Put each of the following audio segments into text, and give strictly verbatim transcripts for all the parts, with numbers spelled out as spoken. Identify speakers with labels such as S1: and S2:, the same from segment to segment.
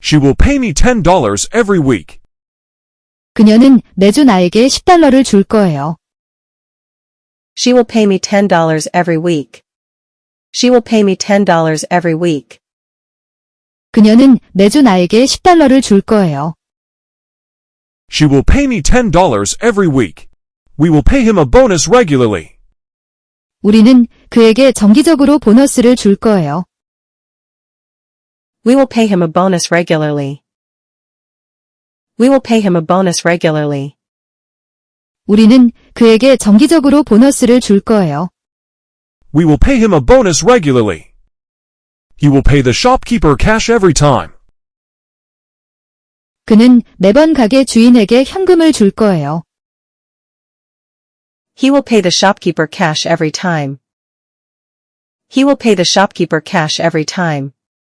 S1: She will pay me ten dollars every week.
S2: 그녀는 매주 나에게 십 달러를 줄 거예요.
S3: She will pay me ten dollars every week. She will pay me ten dollars every week.
S2: 그녀는 매주 나에게 십 달러를 줄 거예요.
S1: She will pay me ten dollars every week. We will pay him a bonus regularly.
S2: 우리는 그에게 정기적으로 보너스를 줄 거예요.
S3: We will pay him a bonus regularly. We will pay him a bonus regularly.
S2: 우리는 그에게 정기적으로 보너스를 줄 거예요.
S1: We will pay him a bonus regularly. He will pay the shopkeeper cash every time.
S2: 그는 매번 가게 주인에게 현금을 줄 거예요.
S3: He will pay the shopkeeper cash every time. He will pay the shopkeeper cash every time.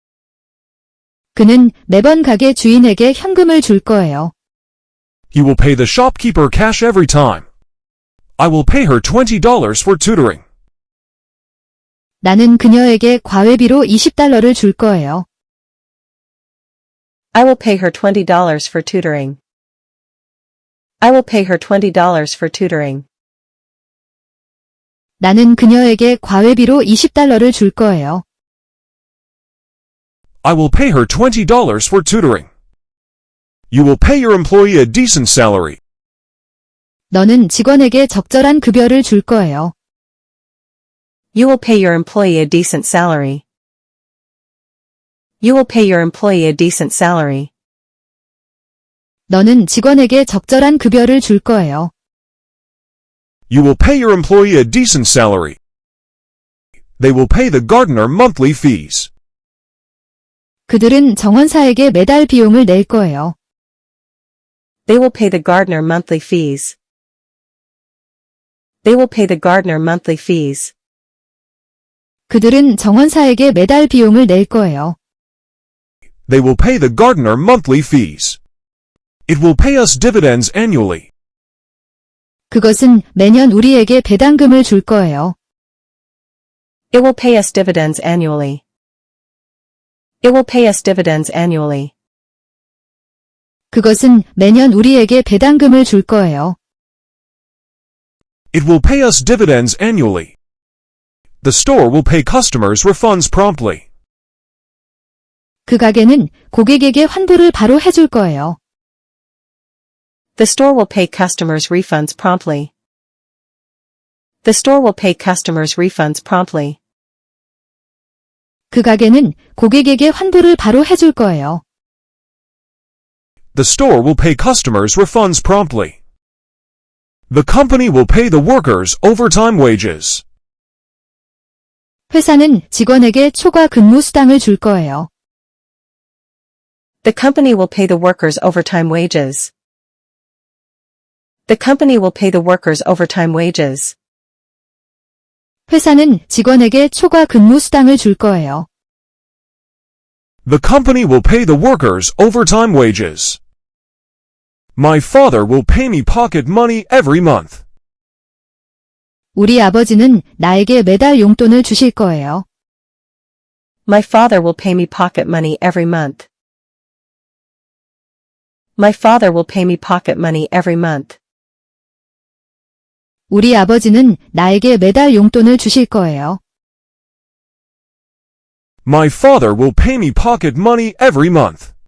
S2: 그는 매번 가게 주인에게 현금을 줄 거예요.
S1: He will pay the shopkeeper cash every time. I will pay her twenty dollars for tutoring.
S2: 나는 그녀에게 과외비로 이십 달러를 줄 거예요.
S3: I will pay her twenty dollars for tutoring. I will pay her twenty dollars for tutoring.
S2: 나는 그녀에게 과외비로 이십 달러를 줄 거예요.
S1: I will pay her twenty dollars for tutoring. You will pay your employee a decent salary.
S2: 너는 직원에게 적절한 급여를 줄 거예요.
S3: You will pay your employee a decent salary. You will pay your employee a decent salary.
S2: 너는 직원에게 적절한 급여를 줄 거예요.
S1: You will pay your employee a decent salary. They will pay the gardener monthly fees.
S2: 그들은 정원사에게 매달 비용을 낼 거예요.
S3: They will pay the gardener monthly fees. They will pay the gardener monthly fees.
S2: 그들은 정원사에게 매달 비용을 낼 거예요.
S1: They will pay the gardener monthly fees. It will pay us dividends annually.
S2: 그것은 매년 우리에게 배당금을 줄 거예요.
S3: It will pay us dividends annually. It will pay us dividends annually.
S2: 그것은 매년 우리에게 배당금을 줄 거예요.
S1: It will pay us dividends annually. The store will pay customers refunds promptly.
S2: 그 가게는 고객에게 환불을 바로 해줄 거예요.
S3: The store will pay customers refunds promptly. The store will pay customers refunds promptly.
S2: 그 가게는 고객에게 환불을 바로 해줄 거예요.
S1: The store will pay customers refunds promptly. The company will pay the workers overtime wages.
S2: 회사는 직원에게 초과 근무 수당을 줄 거예요.
S3: The company will pay the workers overtime wages. The company will pay the workers overtime wages.
S2: 회사는 직원에게 초과 근무 수당을 줄 거예요.
S1: The company will pay the workers overtime wages. My father will pay me pocket money every month.
S2: 우리 아버지는 나에게 매달 용돈을 주실 거예요.
S3: My father will pay me pocket money every month. My father will pay me pocket money every month.
S2: 우리 아버지는 나에게 매달 용돈을 주실 거예요.
S1: My father will pay me pocket money every month.